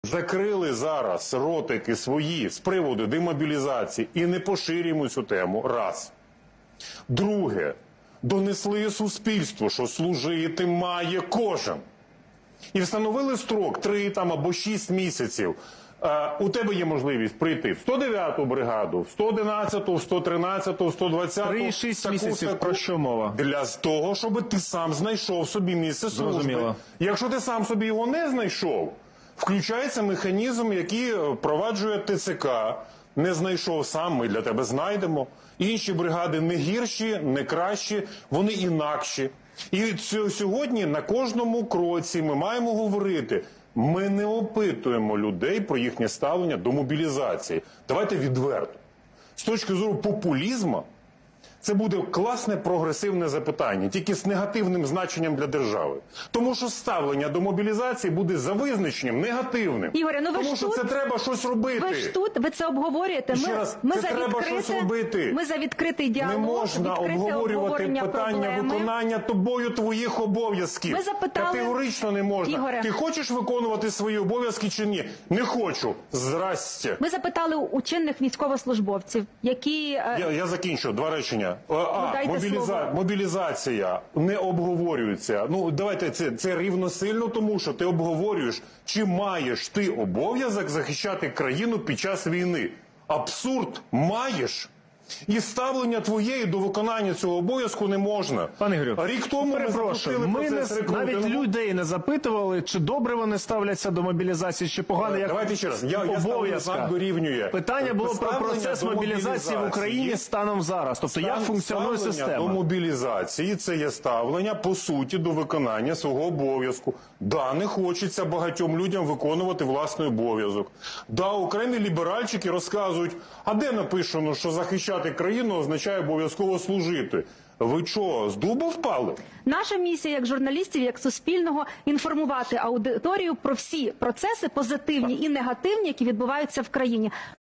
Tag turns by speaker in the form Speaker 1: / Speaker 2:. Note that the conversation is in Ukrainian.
Speaker 1: закрили зараз ротики свої з приводу демобілізації і не поширюємо цю тему. Раз. Друге. Донесли суспільству, що служити має кожен. І встановили строк 3 або 6 місяців. У тебе є можливість прийти в 109-ту бригаду, в 111-ту, в 113-ту, в 120-ту.
Speaker 2: 3-6 місяців, про що мова?
Speaker 1: Для того, щоб ти сам знайшов собі місце служби.
Speaker 2: Зрозуміло.
Speaker 1: Якщо ти сам собі його не знайшов, включається механізм, який впроваджує ТЦК. Не знайшов сам, ми для тебе знайдемо. Інші бригади не гірші, не кращі, вони інакші. І сьогодні на кожному кроці ми маємо говорити, ми не опитуємо людей про їхнє ставлення до мобілізації. Давайте відверто. З точки зору популізму, це буде класне прогресивне запитання, тільки з негативним значенням для держави. Тому що ставлення до мобілізації буде за визначенням негативним.
Speaker 3: Ігоре, ну ви
Speaker 1: тому
Speaker 3: ж
Speaker 1: що
Speaker 3: тут,
Speaker 1: це треба щось робити.
Speaker 3: Ви ж тут, ви це обговорюєте.
Speaker 1: Ще раз, це треба щось робити.
Speaker 3: Ми за відкритий діалог,
Speaker 1: не можна обговорювати питання
Speaker 3: проблеми.
Speaker 1: виконання тобою твоїх обов'язків.
Speaker 3: Ви запитали...
Speaker 1: Категорично не можна.
Speaker 3: Ігоре.
Speaker 1: Ти хочеш виконувати свої обов'язки чи ні? Не хочу. Здрасте.
Speaker 3: Ми запитали у чинних військовослужбовців, які...
Speaker 1: Я закінчу. 2 речення.
Speaker 3: Слово.
Speaker 1: Мобілізація не обговорюється. Ну, давайте це рівносильно тому, що ти обговорюєш, чи маєш ти обов'язок захищати країну під час війни. Абсурд маєш. І ставлення твоєї до виконання цього обов'язку не можна.
Speaker 2: Пане Ігорю,
Speaker 1: рік тому ми запустили процес рекрутингу.
Speaker 2: навіть людей не запитували, чи добре вони ставляться до мобілізації, чи погано, як
Speaker 1: Давайте ще раз. Я ставлю дорівнює.
Speaker 2: Питання було про процес мобілізації в Україні станом зараз. Тобто, як функціонує система?
Speaker 1: До мобілізації – це є ставлення, по суті, до виконання свого обов'язку. Да, не хочеться багатьом людям виконувати власний обов'язок. Да, окремі ліберальчики розказують, а де написано, що захищати країну означає обов'язково служити? Ви що, з дуба впали?
Speaker 3: Наша місія, як журналістів, як суспільного, інформувати аудиторію про всі процеси, позитивні і негативні, які відбуваються в країні.